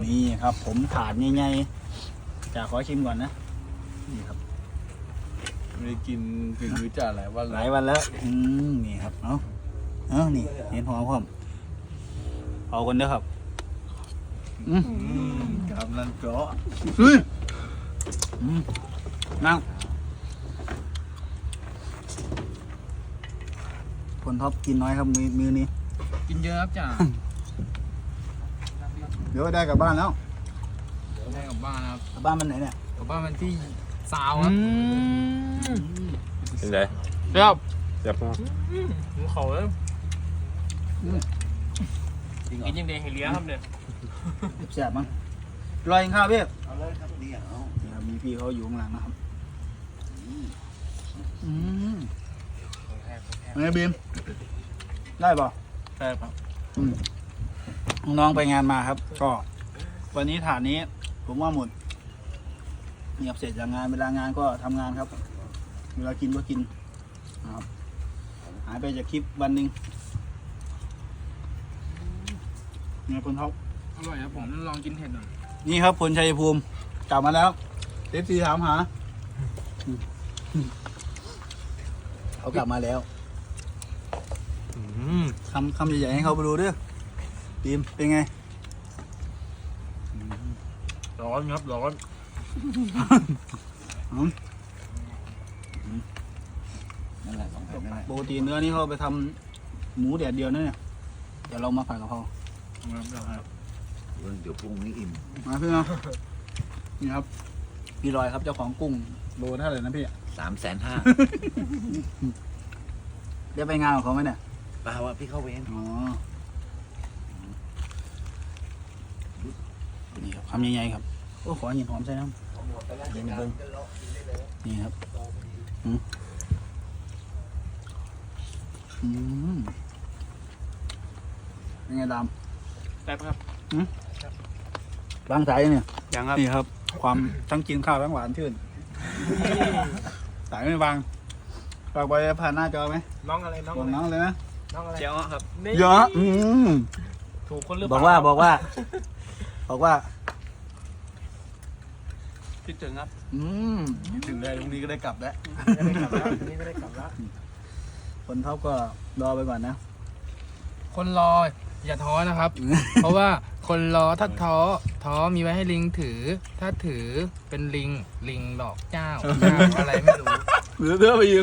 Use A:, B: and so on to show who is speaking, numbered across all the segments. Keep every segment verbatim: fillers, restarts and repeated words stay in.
A: นี่ครับผมถาดใหญ่ๆจะขอชิมก่อนนะนี่ครับ
B: ไม่ได้กินฝีมือจ่าหลายวัน
A: หลายวันแล้วอืมนี่ครับเอาเอานี่เห็นหอมพร้อมเอากันเด้อครับอืม
B: กำลังเจาะ
A: อืมอืมนั่งคนท็อปกินน้อยครับมือมือนี้
C: กินเยอะครับจ่า
A: เดี๋ยวได้กลับบ้านแล้ว
C: ได้กลับบ้านครับ
A: กลับบ้านมันไหนเนี่ย
C: กลับบ้านมันที่ซาวครับ
D: เป็นไง
C: เรียบ
D: เจ็บมาก
C: ผมเขาเลยกินยังเดงเฮเลียครับเนี่ย
A: แซ่บมั้งรอยกินข้าวพี่เอาเลยครับนี่เอานี่ครับมีพี่เขาอยู่ข้างหลังนะครับอืมเป็นไงบีมได้ป่ะ
B: ใช่ครับ
A: อืมน้องๆไปงานมาครับ ก็ วันนี้ฐานนี้ ผมว่าหมดเงียบเสร็จจากงานเวลางานก็ทำงานครับ เวลากินก็กินนะครับหายไปจากคลิปวันหนึ่งไงคุณท็อป
C: อร่อยครับผมลองกินเห็ดหน่อย
A: นี่ครับพลชัยภูมิกลับมาแล้วเอฟซีถามหาเขากลับมาแล้วคำคำใหญ่ๆให้เขาไปดูด้วยบีมเป็นไง
B: ร้อนครับร้อน
D: นั่นแหละสองแผ่นนั่นแหละ
A: ปกติเนื้อนี่เขาไปทำหมูแดดเดียวนะเนี่ยเดี๋ยวเรามาผัดกะเพรา
B: ครับ
D: เดี๋ยวพรุ่งนี้อิ่ม
A: มาพี่เนาะนี่ครับพี่ลอยครับเจ้าของกุ้งโลเท่าไหร่นะพี่
D: สามแสนห้า
A: ได้ไปงานของเขาไหมเนี่ย
D: เปล่าว่าพี่เข้าเวร
A: อ๋อนี่ครับคำใหญ่ๆครับโอ้ขอหินหอมใส่น้ำเดี๋ยวมาเบิ่งนี่ครับอืมอืมเป็นไงดำ
C: แป๊บครับ
A: ล้างสายเนี่ย
C: ยังครับ
A: นี่ครับ ความทั้งกินข้าวทั้งหวานชื่น สายไม่วางฝากไปผ่านหน้าจอไหม
C: น้องอะไรน้อง
A: บอ
C: อะ
A: ก
C: ไร
A: น้องเลยนะ
C: น้องอะไรเจ้าครับนี่
A: เยอะอืม
C: ถูกคนหรือเป
A: บ
C: ล่า
A: อกว่าบอกว่า บอกว่า
C: คิดถึงครับ
A: อืม
B: ถึงได้พรุ่งนี้ก็ได้กลับแล้ว
C: ไม่ได้กลับแล้วนี่ไม่ได้กลับแล้ว
A: คนเท่าก็รอไปก่อนนะ
E: คนรออย่าท้อนะครับ เพราะว่าคนรอถ้าท้อท้อมีไว้ให้ลิงถือ ถ้าถือเป็นลิงลิงหลอกเจ้าเจ้าอะไรไม่รู้
A: เหลือเพื่อไปยืม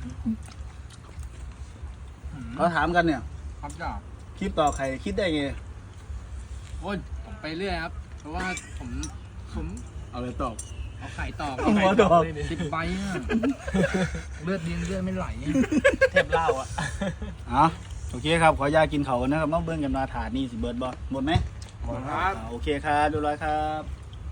A: เขาถามกันเนี่ย
E: ครับจ้า
A: คลิปต่อใครคิดได้ไง
E: โอ้ยผมไปเรื่อยครับ เพราะว่าผมผม
B: เอาเลยตอบ
E: เอาไข่ตอก
A: เอาหัวตอก
E: สิบใบอะเลือดดินเลือดไม่ไหล
C: เทพเล่าอ่ะ
A: อ๋อโอเคครับ ขออนุญาตกินเขานะครับน้องเบิ้งกันมาถาดนี่สิเบิร์ดบอหมดไหม
C: หมดครับ
A: อ่าโอเคครับเรียบร้อยครับ